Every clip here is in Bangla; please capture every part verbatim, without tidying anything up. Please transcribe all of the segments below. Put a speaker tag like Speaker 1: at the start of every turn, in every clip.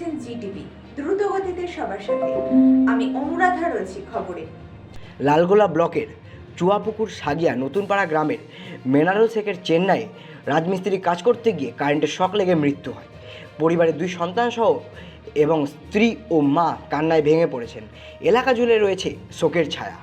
Speaker 1: দেখছেন জি টিভি, দ্রুত গতিতে সবার সাথে। আমি অনুরাধা রয়েছি খবরে।
Speaker 2: লালগোলা ব্লকের চুয়াপুকুর সাগিয়া নতুনপাড়া গ্রামের মেনারুল শেখের চেন্নাইয়ে রাজমিস্ত্রি কাজ করতে গিয়ে কারেন্টের শক লেগে মৃত্যু হয়। পরিবারের দুই সন্তান সহ এবং স্ত্রী ও মা কান্নায় ভেঙে পড়েছেন। এলাকা জুড়ে রয়েছে শোকের ছায়া।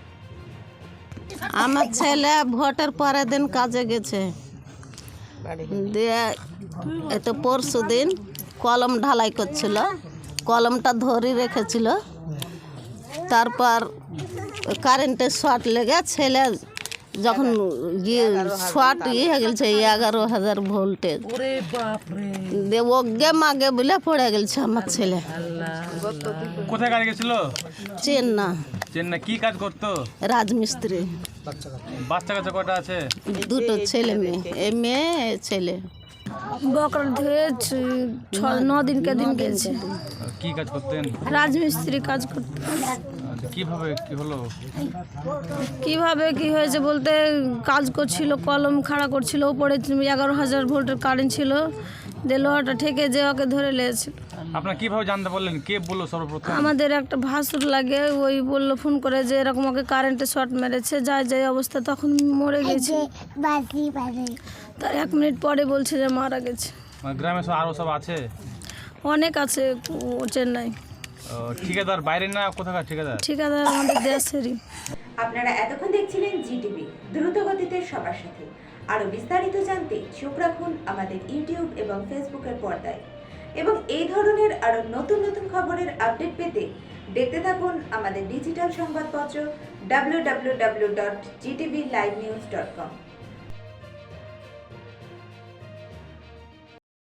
Speaker 3: আমার ছেলে ভোটের পরের দিন কাজে গেছে, দিয়ে এত পরশু দিন কলম ঢালাই করছিল, কলমটা ধরে রেখেছিল। তারপর কারেন্টের শর্ট লেগে ছেলে যখন শর্ট ইয়ে হয়ে গেছে এগারো হাজার ভোল্টেজ, দিয়ে ওগে মাগে বলে পড়ে গেছে আমার ছেলে।
Speaker 4: কোথায় কাজ গেছিল?
Speaker 3: চেন্না।
Speaker 4: চেন্নাই কি কাজ করতো?
Speaker 3: রাজমিস্ত্রি।
Speaker 4: বাচ্চা কাচ্চা কটা আছে?
Speaker 3: দুটো ছেলে মেয়ে, এ মেয়ে এ ছেলে।
Speaker 5: বকরা ধুয়ে ছ ন দিন কে দিন গেছে।
Speaker 4: কি কাজ করতেন?
Speaker 5: রাজমিস্ত্রি কাজ করতে।
Speaker 4: কিভাবে কি হলো?
Speaker 5: কিভাবে কি হয়েছে বলতে, কাজ করছিল, কলম খাড়া করছিল, উপরে এগারো হাজার ভোল্টের কারেন্ট ছিল, দিয়ে লোহাটা ঠেকে যে ওকে ধরে লেগেছিল।
Speaker 4: আপনারা কিভাবে জানতে পারলেন? কে বললো সর্বপ্রথম?
Speaker 5: আমাদের একটা ভাসুর লাগে, ওই বললো ফোন করে যে এরকম ওকে কারেন্টে শর্ট মেরেছে, যায় যায় অবস্থা, তখন মরে গেছে। তার এক মিনিট পরে বলছে যে মারা গেছে।
Speaker 4: মানে গ্রামে সব আরো সব আছে?
Speaker 5: অনেক আছে চেন্নাই।
Speaker 4: ও, ঠিকাদার বাইরে না কোথাকার ঠিকাদার?
Speaker 5: ঠিকাদার আমাদের দেশেরই।
Speaker 1: আপনারা এতক্ষণ দেখছিলেন জি টিভি, দ্রুত গতিতে সবার সাথে। আরো বিস্তারিত জানতে চোখ রাখুন আমাদের ইউটিউব এবং ফেসবুকের পর্দায়। এবং এই ধরনের আরো নতুন নতুন খবরের আপডেট পেতে দেখতে থাকুন আমাদের ডিজিটাল সংবাদপত্র W W W dot Zee TV live news dot কম।